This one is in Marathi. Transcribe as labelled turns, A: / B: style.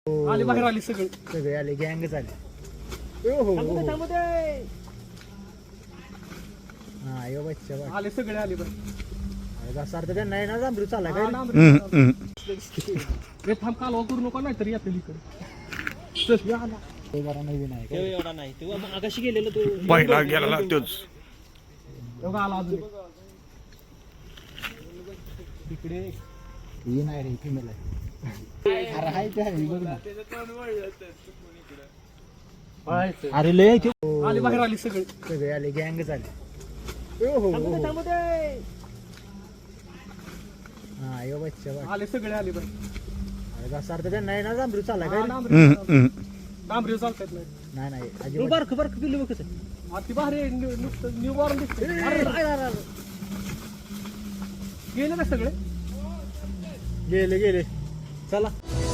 A: आले बाहेर आले सगळे
B: सगळे आले गँगच आले. हा यो बच्चा बा.
A: आले सगळे आले बरं
B: अरे जसा अर्थ त्यांना आहे ना जांभरू चालला काय रे?
A: रे थांब कालवा करू नका नाही तरी येतील इकडे चल या ना.
B: ते जरा नवीन आहे काय?
C: एवढा नाही तू आकाशी गेलेलो तू
D: पहिला गेला तोच.
A: एवढा आला अजून
B: तिकडे ही नाही रे फिमेल आहे. अरे हाय ते आहे बघ ना. अरे लय ते
A: आले बाहेर आले सगळे
B: सगळे आले गँगच आले. हा यो बच्चा बा.
A: आले सगळे आले बरं
B: अरे जसा अर्थ त्यांना आहे ना जांभरू चालला काय रे?
A: डांबरी चालतात नाही
B: नाही नाही अजिबात.
C: बारक बारक पिल्लू बघ कसं
A: ती बाहेर नुसतं न्यू बॉर्न दिसते गेले का सगळे
B: गेले गेले चला.